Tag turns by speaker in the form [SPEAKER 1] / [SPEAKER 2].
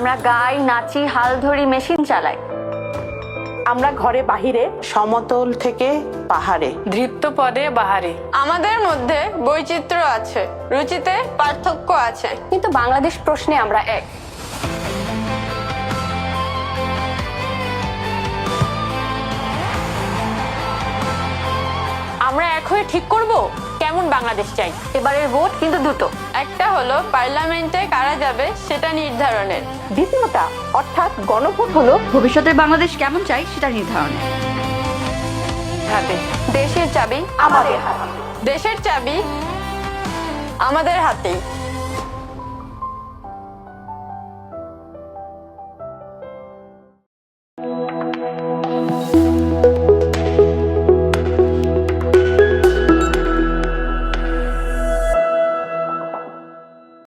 [SPEAKER 1] আমরা গাই, নাচি, হাল ধরি, মেশিন চালাই।
[SPEAKER 2] আমরা ঘরে বাহিরে, সমতল থেকে পাহাড়ে,
[SPEAKER 3] দৃপ্ত পদে বাহারে।
[SPEAKER 4] আমাদের মধ্যে বৈচিত্র্য আছে, রুচিতে পার্থক্য আছে,
[SPEAKER 1] কিন্তু বাংলাদেশ প্রশ্নে আমরা এক।
[SPEAKER 3] আমরা এক হয়ে ঠিক করব কেমন বাংলাদেশ চাই।
[SPEAKER 1] এবারের ভোট কিন্তু দুটো।
[SPEAKER 4] একটা হলো পার্লামেন্টে কারা যাবে সেটা নির্ধারণের,
[SPEAKER 2] দ্বিতীয়টা অর্থাৎ গণভোট হলো
[SPEAKER 5] ভবিষ্যতের বাংলাদেশ কেমন চাই সেটা নির্ধারণে।
[SPEAKER 3] হাতে
[SPEAKER 1] দেশের চাবি
[SPEAKER 2] আমাদের
[SPEAKER 4] দেশের চাবি আমাদের হাতেই।